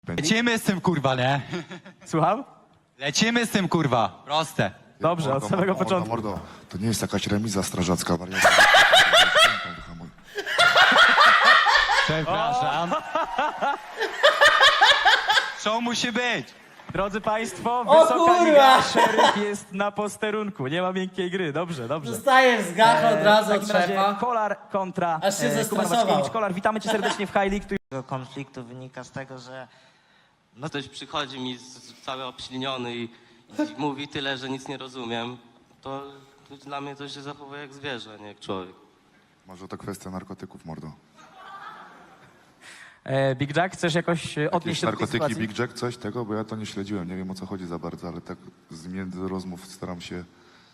Lecimy z tym, kurwa, nie? Słucham? Lecimy z tym, kurwa. Proste. Dobrze, od samego początku. Mordo, to nie jest jakaś remiza strażacka, wariatka. Przepraszam. Show musi być. Drodzy Państwo, O wysoka kurwa! liga, szeryf jest na posterunku. Nie ma miękkiej gry. Dobrze, dobrze. Dostajesz z gacha od razu W od takim razie szefa. Kolar kontra Aż się Kuba zestresował. Maczkiewicz. Kolar, witamy Cię serdecznie w High League. Tu Tego konfliktu wynika z tego, że no ktoś przychodzi mi cały obśliniony i mówi tyle, że nic nie rozumiem, to dla mnie to się zachowuje jak zwierzę, nie jak człowiek. Może to kwestia narkotyków, mordo. Big Jack, chcesz jakoś odnieść Jakieś się do tej narkotyki, sytuacji? Big Jack, coś tego? Bo ja to nie śledziłem, nie wiem o co chodzi za bardzo, ale tak z między rozmów staram się...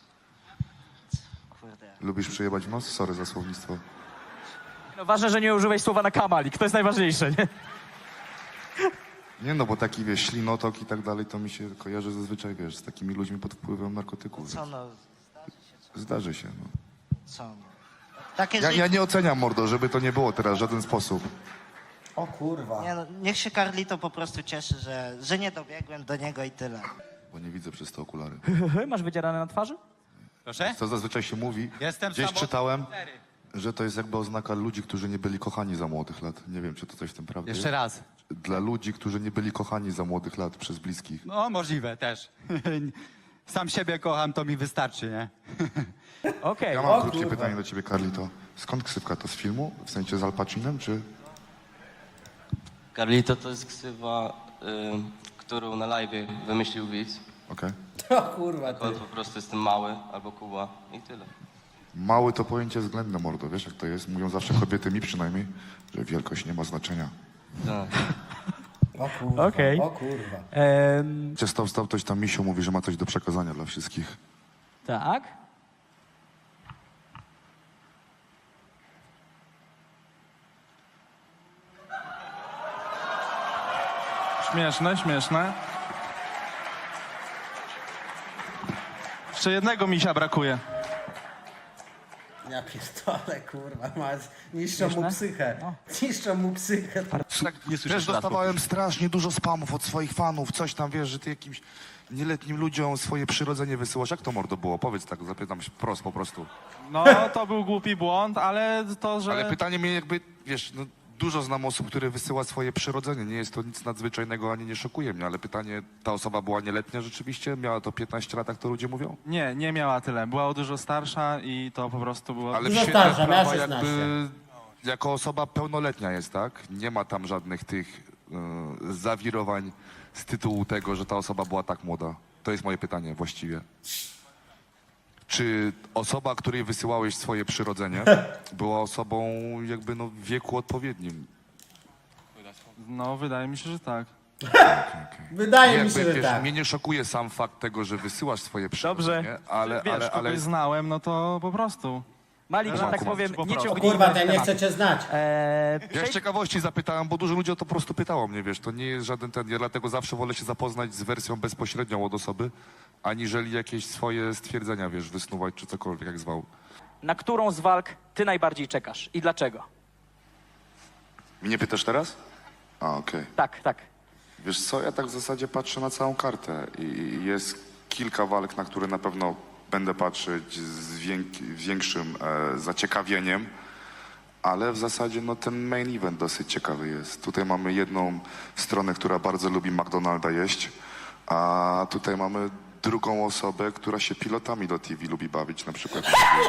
Kurde. Lubisz przyjebać w nos? Sorry za słownictwo. No, ważne, że nie użyłeś słowa na kamalik. To jest najważniejsze, nie? Nie no, bo taki, wiesz, ślinotok i tak dalej, to mi się kojarzy zazwyczaj, wiesz, z takimi ludźmi pod wpływem narkotyków. Co Więc no, zdarzy się, no. co no. Takie Ja życie. nie oceniam, mordo, żeby to nie było teraz w żaden sposób. O kurwa. Nie no, niech się Carlito po prostu cieszy, że nie dobiegłem do niego i tyle. Bo nie widzę przez te okulary. Masz wydzierane na twarzy? Proszę? Co zazwyczaj się mówi, Jestem gdzieś samotny. czytałem, że to jest jakby oznaka ludzi, którzy nie byli kochani za młodych lat. Nie wiem, czy to coś w tym prawdy Jeszcze raz. Dla ludzi, którzy nie byli kochani za młodych lat przez bliskich. No, możliwe też. Sam siebie kocham, to mi wystarczy, nie? Okej. Ja mam krótkie pytanie do ciebie, Carlito. Skąd ksywka? To z filmu? W sensie z Al Pacinem, czy... Carlito to jest ksywa, którą na live wymyślił widz. Okej. O kurwa ty. On po prostu jestem mały albo Kuba i tyle. Mały to pojęcie względne, mordo. Wiesz, jak to jest? Mówią zawsze kobiety, mi przynajmniej, że wielkość nie ma znaczenia. Tak. O kurwa. Okej. O kurwa. Cię stał ktoś tam, misiu, mówi, że ma coś do przekazania dla wszystkich. Tak. Śmieszne, śmieszne. Jeszcze jednego misia brakuje. Ja pierdolę, kurwa. Niszczą mu Śmieszne? psychę. No. Niszczą mu psychę. Wiesz, dostawałem strasznie dużo spamów od swoich fanów, coś tam, wiesz, że ty jakimś nieletnim ludziom swoje przyrodzenie wysyłasz. Jak to, mordo, było? Powiedz tak, zapytam się wprost po prostu. No, to był głupi błąd, ale to, że... Ale pytanie mnie jakby, wiesz, no, dużo znam osób, które wysyła swoje przyrodzenie. Nie jest to nic nadzwyczajnego, ani nie szokuje mnie, ale pytanie, ta osoba była nieletnia rzeczywiście? Miała to 15 lat, jak to ludzie mówią? Nie, nie miała tyle. Była dużo starsza i to po prostu było... Ale Dużo w świetle starsza, miała prawa 16. jakby jako osoba pełnoletnia jest, tak? Nie ma tam żadnych tych zawirowań z tytułu tego, że ta osoba była tak młoda. To jest moje pytanie właściwie. Czy osoba, której wysyłałeś swoje przyrodzenie, była osobą jakby no w wieku odpowiednim? No, wydaje mi się, że tak. Wydaje mi się, Jakby, że wiesz, tak. mnie nie szokuje sam fakt tego, że wysyłasz swoje przyrodzenie, Dobrze. ale, Wiesz, ale, kogoś znałem, no to po prostu. Malik, że tak Kuba, powiem, po nie prostu. O ciągnijmy kurwa, to ja nie tematu. chcę cię znać. Ja z ciekawości zapytałem, bo dużo ludzi o to po prostu pytało mnie, wiesz, to nie jest żaden ten, ja dlatego zawsze wolę się zapoznać z wersją bezpośrednią od osoby, aniżeli jakieś swoje stwierdzenia, wiesz, wysnuwać czy cokolwiek, jak zwał. Na którą z walk ty najbardziej czekasz i dlaczego? Mnie pytasz teraz? A, okej. Tak, tak. Wiesz co, ja tak w zasadzie patrzę na całą kartę i jest kilka walk, na które na pewno będę patrzeć z większym zaciekawieniem, ale w zasadzie no, ten main event dosyć ciekawy jest. Tutaj mamy jedną stronę, która bardzo lubi McDonalda jeść, a tutaj mamy drugą osobę, która się pilotami do TV lubi bawić, na przykład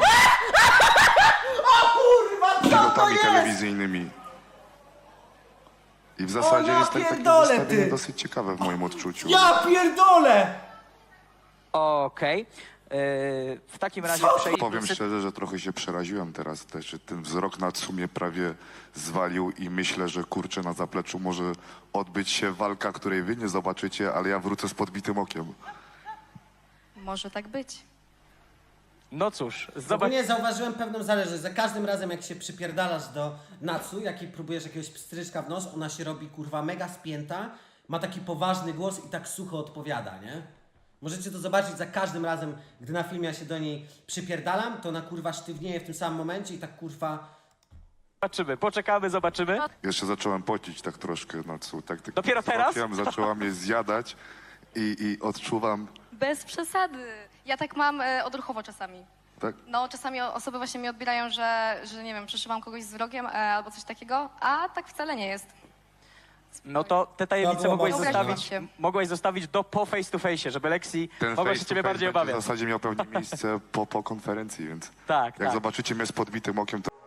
pilotami telewizyjnymi. I w zasadzie ja jest takie pierdolę, zestawienie ty! dosyć ciekawe w moim odczuciu. Ja pierdolę! Okej. W takim razie przejdźmy... Powiem szczerze, że trochę się przeraziłem teraz też, że ten wzrok na sumie prawie zwalił i myślę, że kurczę na zapleczu może odbyć się walka, której wy nie zobaczycie, ale ja wrócę z podbitym okiem. Może tak być. No cóż, zobacz... Ogólnie zauważyłem pewną zależność. Za każdym razem, jak się przypierdalasz do Natsu, jak jej próbujesz jakiegoś pstryczka w nos, ona się robi kurwa mega spięta, ma taki poważny głos i tak sucho odpowiada, nie? Możecie to zobaczyć za każdym razem, gdy na filmie ja się do niej przypierdalam, to ona kurwa sztywnieje w tym samym momencie i tak kurwa Zobaczymy, poczekamy, zobaczymy. Jeszcze zacząłem pocić tak troszkę, tak Dopiero teraz? Zaczęła mnie zjadać i odczuwam, Bez przesady. Ja tak mam odruchowo czasami. tak? No, czasami osoby właśnie mi odbierają, że nie wiem, przeszywam kogoś z wrogiem albo coś takiego, a tak wcale nie jest. No to te tajemnice To było mogłaś zostawić do po face to face, żeby Lexi Ten mogła się face to ciebie face bardziej będzie obawiać. w zasadzie miał pewnie miejsce po konferencji, więc Tak, jak tak. zobaczycie mnie z podbitym okiem, to